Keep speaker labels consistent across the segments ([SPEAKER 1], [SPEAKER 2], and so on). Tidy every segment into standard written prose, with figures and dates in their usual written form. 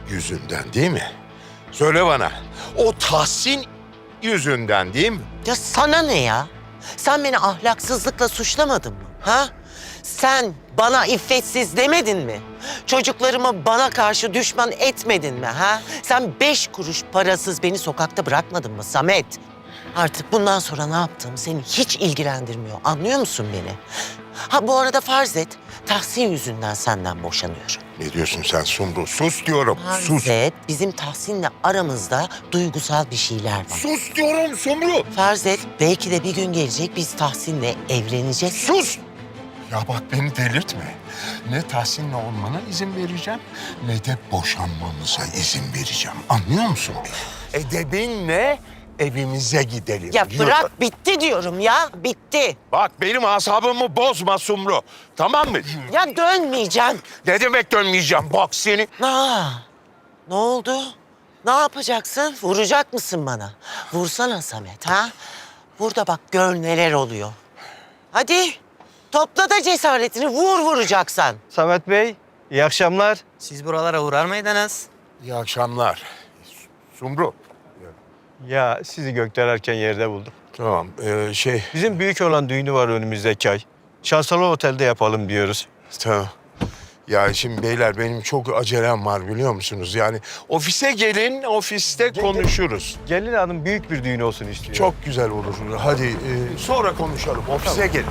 [SPEAKER 1] yüzünden değil mi? Söyle bana. O Tahsin yüzünden değil mi?
[SPEAKER 2] Ya sana ne ya? Sen beni ahlaksızlıkla suçlamadın mı? Ha? Sen bana iffetsiz demedin mi? Çocuklarımı bana karşı düşman etmedin mi? Ha? Sen 5 kuruş parasız beni sokakta bırakmadın mı Samet? Artık bundan sonra ne yaptığım seni hiç ilgilendirmiyor. Anlıyor musun beni? Ha bu arada farz et, Tahsin yüzünden senden boşanıyorum.
[SPEAKER 1] Ne diyorsun sen Sumru? Sus diyorum. Sus.
[SPEAKER 2] Farz et, bizim Tahsin'le aramızda duygusal bir şeyler var.
[SPEAKER 1] Sus diyorum Sumru.
[SPEAKER 2] Farz et, belki de bir gün gelecek biz Tahsin'le evleneceğiz.
[SPEAKER 1] Sus. Ya bak beni delirtme. Ne Tahsin'le olmana izin vereceğim ne de boşanmamıza izin vereceğim. Anlıyor musun beni? Edebinle evimize gidelim.
[SPEAKER 2] Ya
[SPEAKER 1] Yürü.
[SPEAKER 2] bırak, bitti diyorum ya, bitti.
[SPEAKER 1] Bak benim asabımı bozma Sumru. Tamam mı?
[SPEAKER 2] Ya dönmeyeceğim.
[SPEAKER 1] Ne demek dönmeyeceğim? Bak seni.
[SPEAKER 2] Ne oldu? Ne yapacaksın? Vuracak mısın bana? Vursana Samet ha? Burada bak gör neler oluyor. Hadi topla da cesaretini, vuracaksan.
[SPEAKER 3] Samet Bey, iyi akşamlar.
[SPEAKER 4] Siz buralara uğrar mıydınız?
[SPEAKER 1] İyi akşamlar. Sumru.
[SPEAKER 3] Ya sizi gökdelerken yerde buldum.
[SPEAKER 1] Tamam
[SPEAKER 3] Bizim büyük olan düğünü var önümüzdeki ay. Şansalı Otel'de yapalım diyoruz.
[SPEAKER 1] tamam. Ya şimdi beyler benim çok acelem var biliyor musunuz? Yani ofise gelin, ofiste konuşuruz.
[SPEAKER 3] Gelin hanım büyük bir düğün olsun istiyor.
[SPEAKER 1] Çok güzel olur. Hadi sonra konuşalım. Ofise gelin.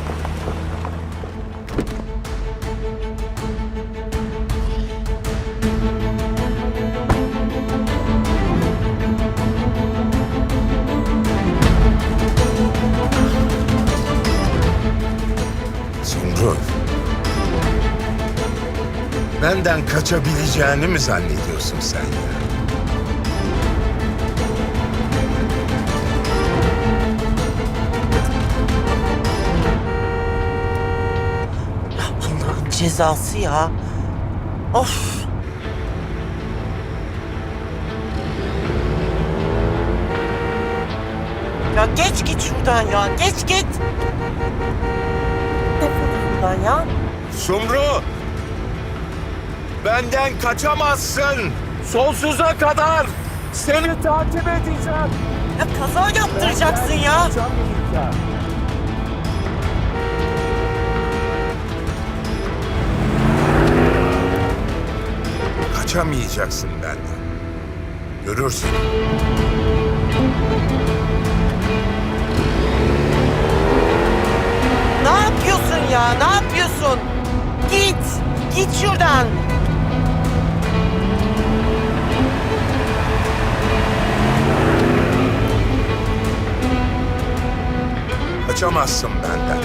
[SPEAKER 1] Sumru. Benden kaçabileceğini mi zannediyorsun sen ya?
[SPEAKER 2] Allah'ın cezası ya. Of. Ya geç git şuradan ya, geç git. Defol şuradan ya.
[SPEAKER 1] Sumru! Benden kaçamazsın. Sonsuza kadar seni takip edeceğim.
[SPEAKER 2] Ya kaza yaptıracaksın ya.
[SPEAKER 1] Kaçamayacaksın benden. Görürsün.
[SPEAKER 2] Ne yapıyorsun ya? Ne yapıyorsun? Git. Git şuradan.
[SPEAKER 1] Kaçamazsın benden.